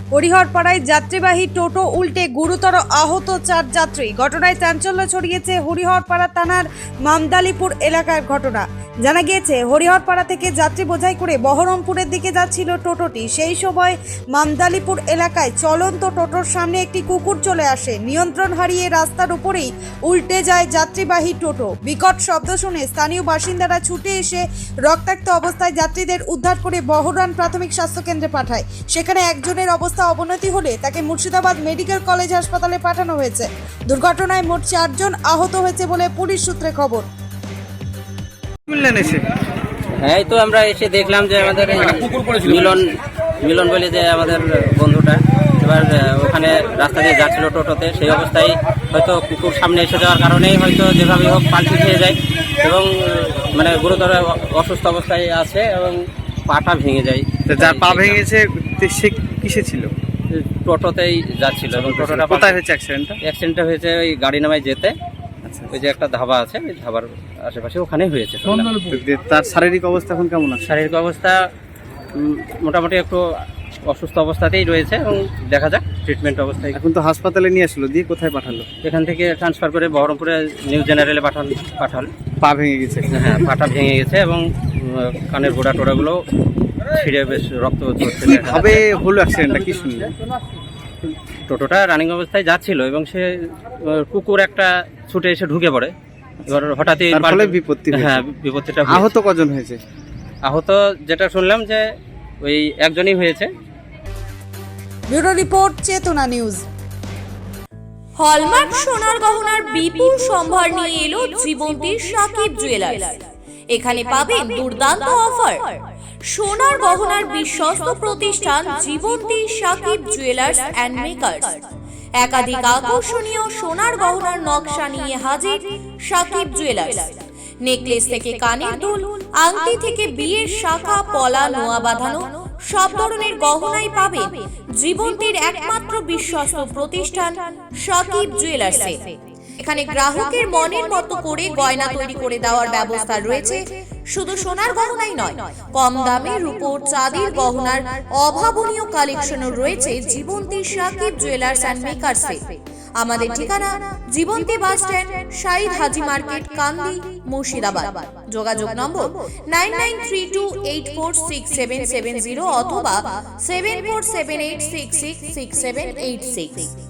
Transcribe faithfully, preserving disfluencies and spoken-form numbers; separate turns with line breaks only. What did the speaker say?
হরিহরপাড়ায় যাত্রীবাহী টোটো উল্টে গুরুতর আহত চার যাত্রী। ঘটনায় চাঞ্চল্য ছড়িয়েছে হরিহরপাড়া থানার মামদালিপুর এলাকার ঘটনা। জানা গিয়েছে, হরিহরপাড়া থেকে যাত্রী বোঝাই করে বহরমপুরের দিকে যাচ্ছিল টোটোটি। সেই সময় মামদালিপুর এলাকায় চলন্ত টোটোর সামনে একটি কুকুর চলে আসে। নিয়ন্ত্রণ হারিয়ে রাস্তার উপরেই উল্টে যায় যাত্রীবাহী টোটো। বিকট শব্দ শুনে স্থানীয় বাসিন্দারা ছুটে এসে রক্তাক্ত অবস্থায় যাত্রীদের উদ্ধার করে বহরান প্রাথমিক স্বাস্থ্য কেন্দ্রে পাঠায়। সেখানে একজনের অবস্থা অবনতি হলে তাকে মুর্শিদাবাদ মেডিকেল কলেজ হাসপাতালে পাঠানো হয়েছে। দুর্ঘটনায় মোট চারজন আহত হয়েছে বলে পুলিশ সূত্রে খবর।
এই তো আমরা এসে দেখলাম যে আমাদের মিলন মিলন বলে যে আমাদের বন্ধুটা এবার ওখানে রাস্তা দিয়ে যাচ্ছিল টোটোতে, সেই অবস্থায় হয়তো কুকুর সামনে এসে যাওয়ার কারণেই হয়তো যেভাবে হোক পাল্টি খেয়ে যায় এবং মানে গুরুতর অসুস্থ অবস্থায় আছে এবং পাটা ভেঙে যায়।
যার পা ভেঙেছে সে কিসে ছিল?
টোটোতেই যাচ্ছিল এবং টোটোটা
কোথায় হয়েছে অ্যাক্সিডেন্টটা?
অ্যাক্সিডেন্টটা হয়েছে ওই গাড়ি নামায় যেতে, ওই যে একটা ধাবা আছে ওই ধাবার আশেপাশে ওখানেই হয়েছে।
তার শারীরিক অবস্থা এখন কেমন আছে?
শারীরিক অবস্থা মোটামুটি একটু অসুস্থ অবস্থাতেই রয়েছে এবং দেখা যাক ট্রিটমেন্ট অবস্থায়।
এখন তো হাসপাতালে নিয়ে আসলো, দিয়ে কোথায় পাঠালো?
এখান থেকে ট্রান্সফার করে বহরমপুরে নিউ জেনারেলে পাঠান পাঠাল
পা ভেঙে গেছে?
হ্যাঁ, পাটা ভেঙে গেছে এবং কানের গোড়া টোড়াগুলো ছিঁড়ে বেশ রক্ত হচ্ছে।
কিভাবে হলো অ্যাক্সিডেন্টটা কি শুনলেন?
টোটোটা রানিং অবস্থায় যাচ্ছিল এবং সে কুকুর একটা ছুটে এসে ঢুকে পড়ে। এবার হঠাৎই
বিপত্তি।
হ্যাঁ, বিপত্তিটা।
আহত কজন হয়েছে?
আহত যেটা শুনলাম যে ওই একজনই হয়েছে।
Bureau report, Chetana news.
Hallmark সোনার গহনার বিপুল সম্ভার নিয়ে এলো জীবন্তীর সাকিব জুয়েলার্স। এখানে পাবেন দুর্দান্ত অফার। সোনার গহনার বিশ্বস্ত প্রতিষ্ঠান Jibanti Sakib jewellers and makers. একাধিক আকর্ষণীয় সোনার গহনার নকশা নিয়ে হাজির সাকিব জুয়েলার্স। নেকলেস থেকে কানের দুল, আংটি থেকে বিয়ের শাখা, পলা, নোয়া বাঁধানো সব ধরনের গহনাই পাবেন জীবন্তীর একমাত্র বিশ্বস্ত প্রতিষ্ঠান সাকিব জুয়েলার্সে। এখানে গ্রাহকের মনের মতো করে গয়না তৈরি করে দেওয়ার ব্যবস্থা রয়েছে। শুধু সোনার গহনাই নয়, কম দামে রূপোর, চাঁদির গহনার অভাবনীয় কালেকশনও রয়েছে জীবন্তী সাকিব জুয়েলার্স অ্যান্ড মেকার্সে। আমাদের ঠিকানা Jibanti bus stand, Shahid Haji market, Kandi, Murshidabad. যোগাযোগ number nine nine three two eight four six seven seven zero অথবা seven four seven eight six six six seven eight six.